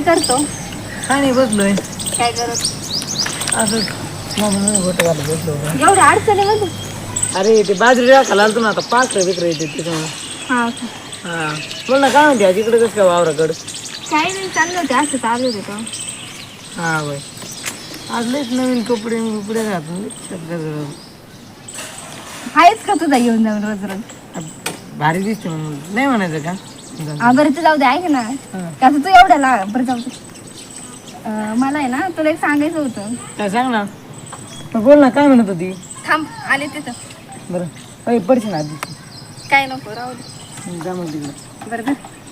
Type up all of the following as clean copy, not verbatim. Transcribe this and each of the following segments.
करतो? काय नाही बसलोय काय करत? असं गोट घालत बसलो होतो. एवढ्या अडचणीमध्ये? अरे ते बाजरी राखायला आलतो ना आता पाखरं बिकरं येते त्याच्यामुळे. हा हा बोल ना काय म्हणते आज इकडे कसं काय वावराकडं? काही नाही, चाललं होते असं चालू होते तो. हा बाई आज लयच नवीन कपडे बिपडे घातले. आहेच का तुझा येऊन जाऊन रोज रोज? भारी दिसते म्हणून नाही म्हणायचं का? हा बरं ते जाऊ दे, ऐक ना. कसं तू एवढ्याला बरं जाऊ दे. मला आहे ना तुला एक सांगायचं होतं. काय सांग ना. बोल ना काय म्हणत होती? थांब आले तिथं. बरं पडशील ना आधी. काय नको राहू दे. जा मग तिकडे. बरं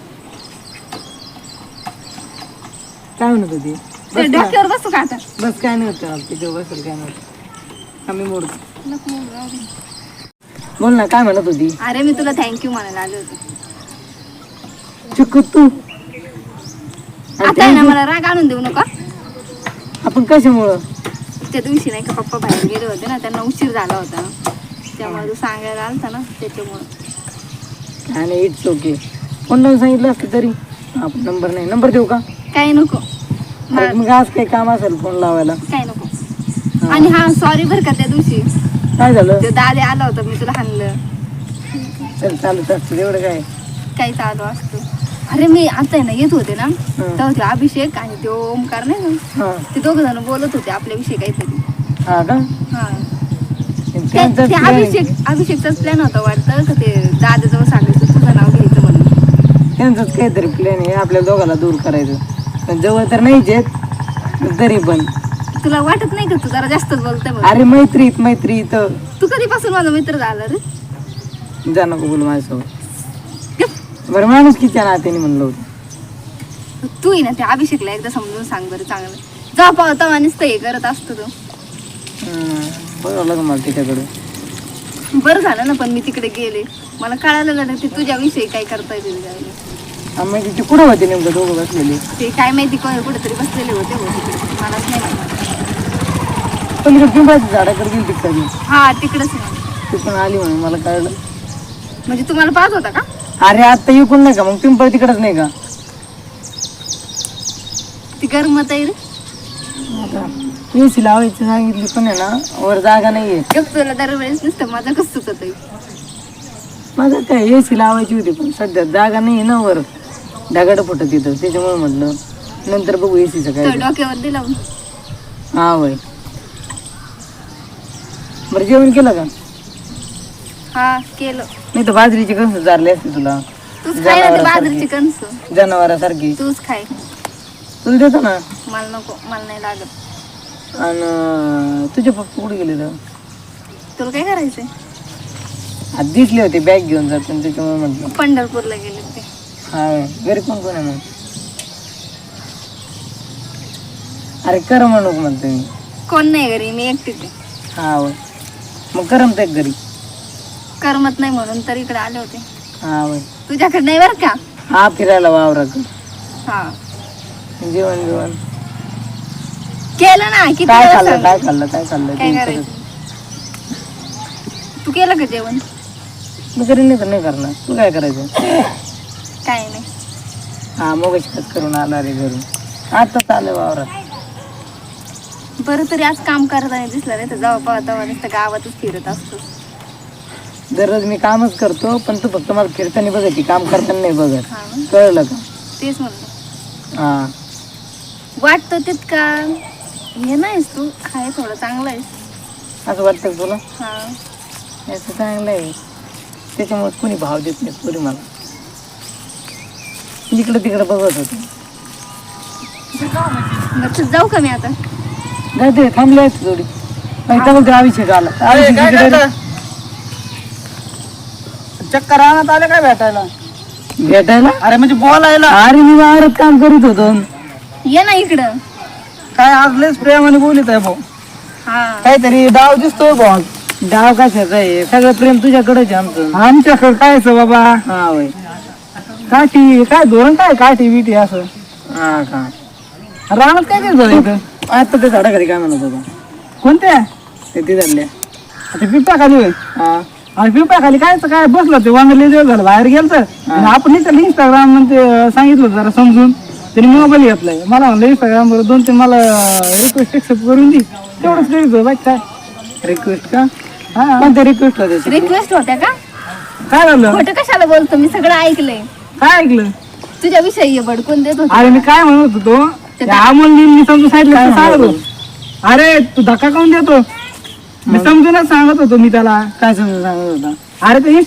काय म्हणत होती? ते डोक्यावर बसू का आता? बस काय नाही होतं तिथे बसेल काय नव्हतं आम्ही मोडतो. नको राहू दे. बोल ना काय म्हणत होती? अरे मी तुला थँक्यू म्हणायला आले होते. चुकू तू आता आहे ना मला राग आणून देऊ नका. आपण कशामुळं? त्या दिवशी नाही का पप्पा बाहेर गेले होते ना, त्यांना उशीर झाला होता त्यामुळे तू सांगायला आलता ना त्याच्यामुळं. आणि इट्स ओके. फोन लावून सांगितलं असतं तरी. आपण नंबर नाही, नंबर देऊ का? काही नको. मग आज काही काम असेल फोन लावायला. काही नको. आणि हा सॉरी बरं का, त्या दिवशी काय झालं? ते दादे आला होता, मी तुला हाणलं. चल चालत असतं एवढं काय. काही चालू असतं. अरे मी आता आहे ना येत होते ना तेव्हा ते अभिषेक आणि ते ओमकार नाही ना, ते दोघ जण बोलत होते आपल्याविषयी काहीतरी. हा का? हा अभिषेकचाच प्लॅन होता वाटतं का, ते दादाजवळ सांगायचं तुझं नाव घ्यायचं म्हणून. त्यांचाच काहीतरी प्लॅन आहे आपल्या दोघाला दूर करायचं. पण जवळ तर नाहीच आहेत तरी पण. तुला वाटत नाही का तू जरा जास्तच बोलतोय? अरे मैत्री तर. तू कधीपासून माझा मित्र झाला रे? जा नको बोल माझ्यासोबत. बरं माणूस किती नात्याने म्हणलं होतं. तू ना त्या अभिषेकला एकदा समजून सांग बरं चांगलं. जा पावता माणूस हे करत असतो तो. बघावं लागेल मला तिच्याकडे. बरं झालं ना पण मी तिकडे गेले, मला कळालं ना ते तुझ्याविषयी काय करता येईल. मग ते कुठं होते नेमकं दोघं बसलेले? ते काय माहिती कुठेतरी बसलेले होते तिकडे, मलाच नाही माहिती. पलीकडे पिंपळाच्या झाडाकडे गेली तिकडे. हा तिकडेच ना. ती पण आली म्हणून मला कळलं. म्हणजे तुम्हाला पाहत होता का? अरे आता इकडून नाही का, मग पिंपळ तिकडच नाही का? ती गरमत आहे रे. एसी लावायची सांगितली पण आहे ना वर जागा नाहीये. तुला दरवेळेस नुसतं माझा कसं चुकत आहे. माझं काय एसी लावायची होती पण सध्या जागा नाहीये ना वर, ढगाड फुटत येतं त्याच्यामुळे म्हटलं नंतर बघू एसीचं काय. डोक्यावर दिला. हा वय. बरं जेवण केलं का? हा केलं. नाही तर बाजरीची कणसं चारली असते तुला. तूच खाय ना ते बाजरीची कणस. जनावरासारखी. तूच खाय. तुला देतो ना. मला नको, मला नाही लागत. आणि तुझे पप्पा कुठे गेले तर? तुला काय करायचंय? आज दिसले होते बॅग घेऊन जाते त्याच्यामुळे म्हटलं. पंढरपूरला गेले ते. हा घरी कोण कोण आहे मग? अरे कर म्हणू म्हणतो मी. कोण नाही घरी, मी एकटीच आहे. हा वय. मग करमत एक घरी? करमत नाही म्हणून तर इकडे आले होते. हा वय. तुझ्याकडे नाही बरं का? हा फिरायला वावराकडे. हा जेवण जेवण केलं ना. किती काय वेळा खाल्लं सांगू? काय खाल्लं काय खाल्लं? काय करायचं? तू केलं का जेवण? मी करीन नाही तर नाही करणार. तू काय करायचं? काय नाही. हा मग करून आला रे घरून. आता चालू वावरात. बरं तरी आज काम करताना दिसलं नाही तर जाऊ पाहता नुसतं गावातच फिरत असतो. दररोज मी कामच करतो पण तू फक्त मला फिरताना बघायची, काम करताना नाही बघत. हा ना? कळलं का? तेच म्हणलं. हा वाटतं तितका हे नाहीस तू, आहे थोडं चांगलं आहे असं वाटतं तुला? हा असं चांगलं आहे त्याच्यामुळे कोणी भाव देत नाही पुरी मला. इकडं तिकडं बघत होते. बरं जाऊ का मी आता? जाते थांबले आहेत थोडी. अभिषेक आला. चक्कर आणत आले काय भेटायला? अरे म्हणजे बोलायला. अरे मी वावरात काम करीत होतो. ये ना इकडं. काय आज लयच प्रेमाने बोलत आहे भाऊ. हा काहीतरी डाव दिसतोय भाऊ. डाव कशाचा आहे? सगळं प्रेम तुझ्याकडेच आमचं. आमच्याकडे कायच बाबा. हा वय. काठी काय धोरण काय काठी बिटी असं. हा का रानात काय करत इथं? आता ते झाडाखाली काय म्हणत होता? कोणत्या? ते तिथल्या ते पिंपळाखाली होय. हा आणि पिंपळाखाली काय बसलं ते वांगले दिवस झालं बाहेर गेलं तर आपण त्याला इंस्टाग्राम मध्ये सांगितलं जरा समजून. त्याने मोबाईल घेतलाय, मला म्हणलं इंस्टाग्रामवर 2-3 मला रिक्वेस्ट एक्सेप्ट करून दे, तेवढंच करीत बाई. काय रिक्वेस्ट का? हा कोणत्या रिक्वेस्ट होत्या? रिक्वेस्ट होत्या का? काय झालं? खोटं कशाला बोलतो, मी सगळं ऐकलंय. काय ऐकलं? तुझ्या विषयी भडकून देत होते. अरे मी काय म्हणत होतो, अमोलनी समजून सांगितलं सांगत होतो. अरे तू धक्का काऊन देतो? मी समजूनच सांगत होतो. मी त्याला काय समजून सांगत होता? अरे ते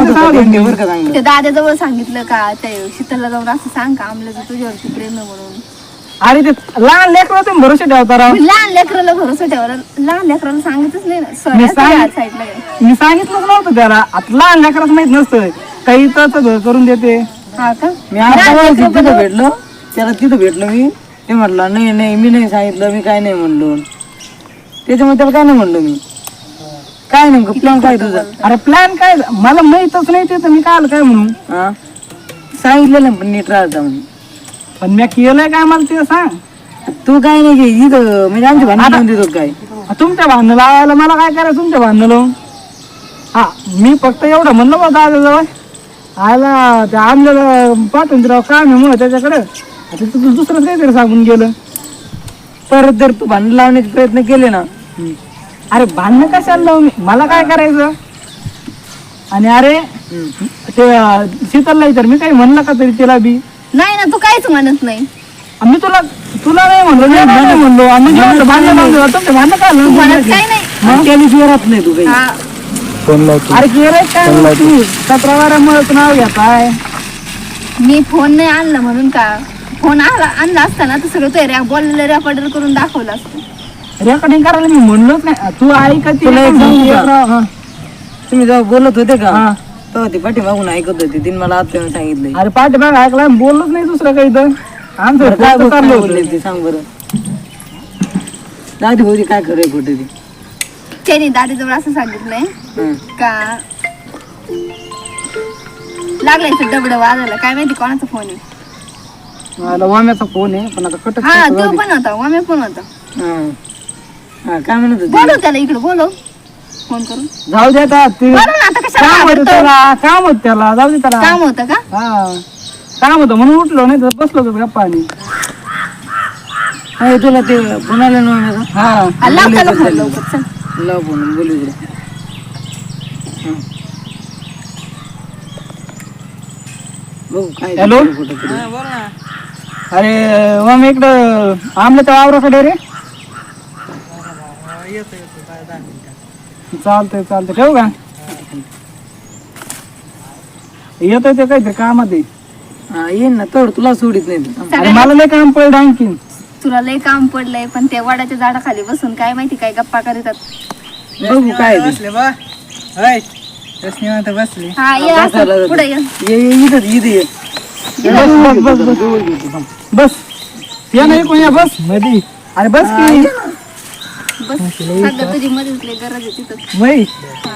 ते दादाजवळ सांगितलं का, ते शीतलला जाऊन असं सांग का आमल्याचं तुझ्यावरती प्रेम आहे म्हणून. अरे ते लहान लेकरं तुम्ही भरोसा ठेवता राव. लहान लेकराला भरोसा ठेवायला, लहान लेकराला सांगितच नाही ना. मी साईडला मी सांगितलंच नव्हतं त्याला. आता लहान लेकराच माहित नसतं काही तर घर करून देते. हा का? मी आता तिथं भेटलो, त्याला तिथं भेटलो मी. ते म्हटलं नाही नाही मी नाही सांगितलं, मी काय नाही म्हणलो. त्याच्यामुळे त्याला काय नाही म्हणलो मी. काय नेमकं प्लॅन काय तुझा? अरे प्लॅन काय मला माहितच नाही ते, तर मी काय म्हणू. हा सांगितलं नाही पण नीट राहता म्हणून. पण मी केलंय काय मला ते सांग. तू काय नाही इथं म्हणजे आमच्या भांडण देतो काय? तुमच्या भांडण लावायला मला काय करायचं तुमच्या भांडण लावून. हा मी फक्त एवढं म्हणलं बा दादाजवळ आला त्या आणलेलं पाठवून राव काम आहे मग त्याच्याकडे. आता तुझं दुसरं काहीतरी सांगून गेलं. परत जर तू भांडण लावण्याचे प्रयत्न केले ना. अरे भांडणं कशाला लावू मी, मला काय करायचं. आणि अरे ते शीतलला तर मी काही म्हणलं का तरी तिला बी नाही ना, तू काहीच म्हणत नाही. मी तुला नाही म्हणलो, नाही म्हणलो. भांडण भांडण काय तू म्हणत काय नाही. त्या दिवशी राहत नाही तू काही. हा, अरे केलंय काय तू 17-12 नाव घेताय. मी फोन नाही आणला म्हणून का, फोन आणला असताना तर सगळं ते बोललेलं रेकॉर्डर करून दाखवलं असतं. रेकॉर्डिंग करायला मी म्हणलोच नाही. तू ऐकत तुला एक सांगू का? तुम्ही जेव्हा बोलत होते का तेव्हा ती पाठीमागून ऐकत होती. तिने मला आता सांगितलंय. अरे पाठीमाग ऐकला बोललोच नाही दुसरं काही तर. आमचं काय चाललं बोलले ते सांग बरं. दादी होती काय खरंय खोटे ती? त्याने दादाजवळ असं सांगितलंय का, लागलाय तर डबड वाजायला. काय माहिती कोणाचा फोन आहे. वाम्याचा फोन आहे पण आता कट. हा तो पण होता, वाम्या पण होता. काय म्हणत होती? बोलव त्याला इकडे, बोलव फोन करून. जाऊ दे आता ते बोलव ना, आता कशाला काम होतं घाबरतो? त्याला, काम होतं त्याला. जाऊ दे त्याला. काम होतं का? हा काम होतं म्हणून उठलो, नाही तर बसलो होतो गप्पा. आणि तुला ते पुण्याला नव्हतं. हा, लाव त्याला फोन लवकर, चल. लाव फोन बोलू इकडे. बघू काय हॅलो. अरे मग इकडं आमल्या वावराकडे रे. चालतंय ठेवू का? येतोय ते काहीतरी कामात आहे. येईन ना तर तुला सोडित नाही. अरे मला लय काम पडलं आणखीन. तुला लय काम पडलंय, पण त्या वडाच्या झाडाखाली बसून काय माहिती काय गप्पा करतात. बघू काय ते. बसले हा ये असं, पुढे ये. इथे बस या नाही कोण या बस मध्ये. अरे बस की बस, सध्या तुझी मदत लय गरज आहे तिथं. बाई हा.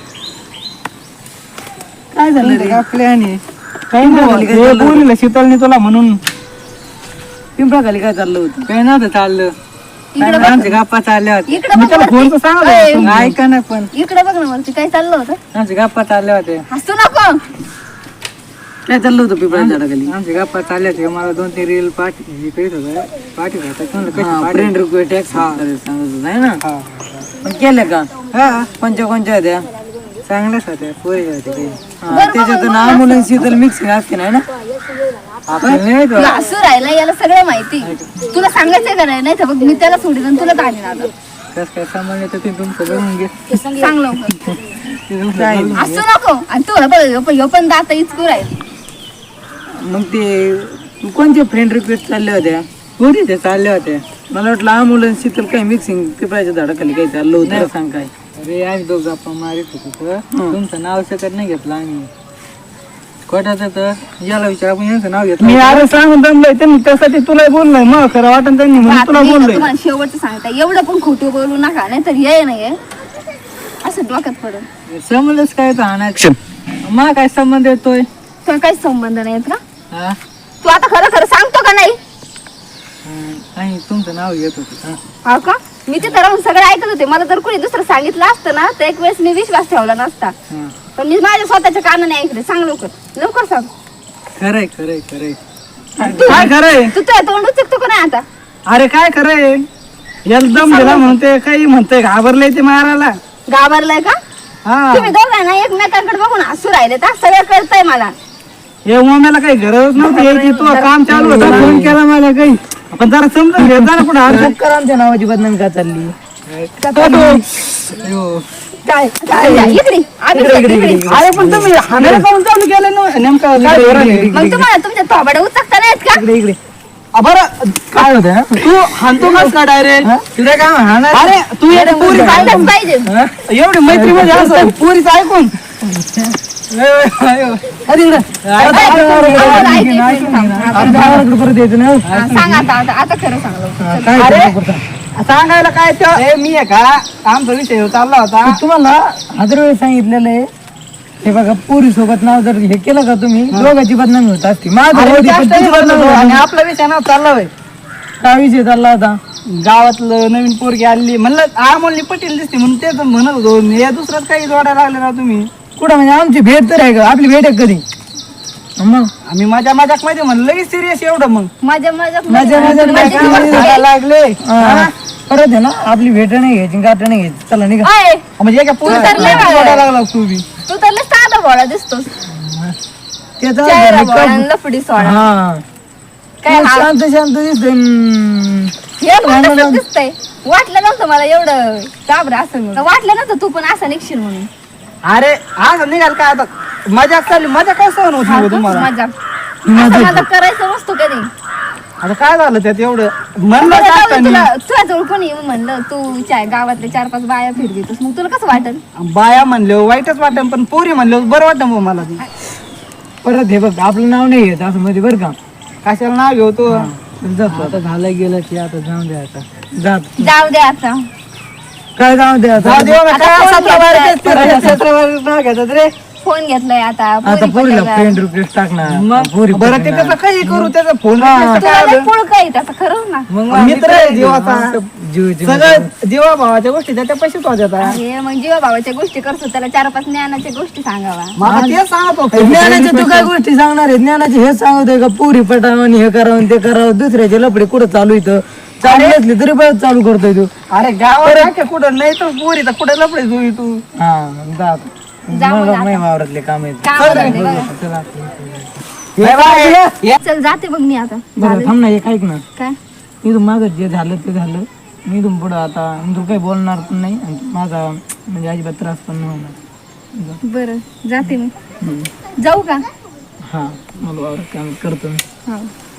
काय झालं रे आपल्या आणि काही नाही बोलले शीतलने तुला म्हणून. पिंपळाखाली काय चाललं होतं? काय नव्हतं चाललं. इकडे बघ, आमच्या गप्पा चालल्या होत्या. इकडे मी बघ त्याला फोन तर वरती. सांगत ओय, ऐका ना पण इकडे बघ ना वरती, काय चाललं होतं? आमच्या गप्पा चालल्या होत्या. हसू नको. काय चाललं होतं पिंपळाच्या झाडाखाली? आमच्या गप्पा चालल्या होत्या. मला 2-3 रील पाठी करीत होता. पाठी फ्रेंड रिक्वेस्ट टॅक्स सांगत होता आहे ना. पण केलं का? कोणच्या होत्या? चांगल्याच होत्या पोरी होत्या. त्याच्यातून आम्ही शीतल मिक्सिंग असते नाही ना. तुला हसू राहिला याला सगळं माहिती. तुला सांगायचं का नाही तर बघ मी त्याला सोडीन आणि तुला ताणीन आता. कस काय सामान येतं ते तुमचं बघून घे. सांग लवकर. हसू नको. आणि तू बघ पण दात इचकू राहील. मग ते कोणत्या फ्रेंड रिक्वेस्ट चालल्या होत्या? पोरी ते चालल्या होत्या. मला वाटलं आम्ही शीतल काही मिक्सिंग पिपळाच्या झाडाखाली काही चाललं होतं. सांग काय? अरे आम्ही दोघं गप्पा मारित होतो. तुमचं नाव सकट नाही घेतलं आम्ही. खोटाचं तर याला विचार, आपण यांचं नाव घेतलं. मी अरे सांगून दमलोय त्यांनी, त्यासाठी तुला बोललोय. मग खरं वाटण त्यांनी म्हणून तुला बोललोय. तुम्हाला शेवटचं सांगता एवढं पण खोटं बोलू नका, नाही तर ये नाही असं डोक्यात पडून. संबंधच काय तर आणायचं. मग काय संबंध येतोय? तुला काही संबंध नाही का? हा तू आता खरं खरं सांगतो का नाही? आणि तुमचं नाव घेत होतं. हा का? मी तिथं राहून सगळं ऐकत होते. मला जर कोणी दुसरं सांगितलं असतं ना तर एक वेळेस मी विश्वास ठेवला नसता. पण मी माझ्या स्वतःच्या कानाने ऐकले. सांग लवकर, लवकर सांग. खरंय खरंय खरंय. काय खरंय तू तुझ्या तोंड उचकतो का नाही आता? अरे काय खरंय एकदम दिला म्हणते काही म्हणते घाबरले ते मारायला. घाबरलाय का? हा तुम्ही दोघांना एकमेकांकडे बघून हसू राहिले तर सगळं कळतंय मला. हे उमाला काही गरज नव्हती यायची. तू काम चालू होता फोन केला मला काही पण जरा समजून घे जरा कुठं आमच्या नावाची बदनामी का चालली? काय काय इकडे इकडे. अरे पण तुम्ही हाणायला काऊन चालू केलं ना नेमकं काय धोरण आहे? मग तुम्हाला तुमच्या थोबाडे उचकता नाहीत का? इकडे बरं काय होतं तू हाणतो कास का डायरेक्ट? तुला काय म्हणणार? अरे तू एक पुरी चाललंच पाहिजे. एवढी मैत्री मध्ये असं पुरीच ऐकून परत यायचं नाही. सांग आता खरं सांग. अरे सांगायला काय ते मी आहे का आमचा विषय चालला होता. तुम्हाला हजार वेळेस सांगितलेलं आहे हे बघा पुरी सोबत नाव जर हे केलं का तुम्ही दोघांची बदनामी होत असते आणि आपला विषय ना चालला होय. काय विषय चालला होता? गावातलं नवीन पोरगी आली म्हणलं आमोलनी पटेल दिसते म्हणून तेच म्हणत होतो. या दुसरंच काही जोडायला लागले ना तुम्ही. कुठं म्हणजे आमची भेट तर आहे का? आपली भेट आहे कधी? मग आम्ही माझ्या मध्ये म्हणलं लगेच सिरियस एवढं मग माझ्या लागले परत आहे ना आपली भेट नाही घ्यायची गाठ नाही घ्यायची. चला निघा. म्हणजे एका पोरीला लागला तू बी. तू तर लय साधा भोळा दिसतोस. त्याचा चेहरा भोळा आणि लफडी सोडा. हा काय हा- शांत शांत दिसतोय. हे पण तसंच दिसतंय. वाटलं नव्हतं मला एवढं घाबरं असं म्हणून. वाटलं नव्हतं तू पण असं निघशील म्हणून. अरे आज निघाल काय आता मजा चालली. मजा काय सहन होती हो तुम्हाला? माझा करायचं नसतो कधी. आता काय झालं त्यात एवढं म्हणलं बरं, जाऊ दे, टाकताना. तुला जवळ कोणी येऊन म्हणलं तू गावातले 4-5 बाया फिरवितोस मग तुला कसं वाटेल? बाया म्हणले वाईटच वाटत पण पोरी म्हणले बरं वाटत मग मला ती. परत हे बघ आपलं नाव नाही घेत असं मध्ये बरं का? कशाला नाव घेऊ तू. जातो आता झालं गेलं की आता जाऊन द्या आता जात जाऊ दे आता. काय जाऊ द्या आता? जाऊ दे बघा, आता काय फोन असं आपल्या घेतलाय. बाहेर तेच ते क्षेत्रावर नाव घेतात रे. फोन घेतलाय आता. आता पोरी पोरीला पटायला. फ्रेंड रिक्वेस्ट टाकणार मग पोरी बरं ते त्याचं काही करू त्याचा फोन तुला लय पुळका आहे त्याचं खरं ना. मित्र आहे जीवाचा. जीवाची सगळं जीवा भावाच्या गोष्टी त्याच्या पैसेच होत्या. अरे मग जीवा भावाच्या गोष्टी करतो त्याला 4-5 ज्ञानाच्या गोष्टी सांगावा. मला तेच सांगत होतो. ज्ञानाच्या तू काय गोष्टी सांगणार आहे? ज्ञानाचे हेच सांगतोय का पुरी पटावं हे करावं ते करावं दुसऱ्याचे लपडे कुठं चालू इथं चालू असले तरी परत चालू करतोय तू. अरे गावात कुठं नाही तर पोरी तर कुठे लपडे जुई तू. हा जात जा मग आता. नाही वावरातले काम आहेत. काम धंदे बघा. चला. चल जाते बघ मी आता. बरं थांब ना एक ऐक ना काय इथून माझं जे झालं ते झालं. मी इथून पुढं आता मी तू काही बोलणार पण नाही आणि माझा म्हणजे अजिबात त्रास पण नाही होणार. बरं जाते मी. जाऊ का? हा मला वावरात काम करतो मी. हा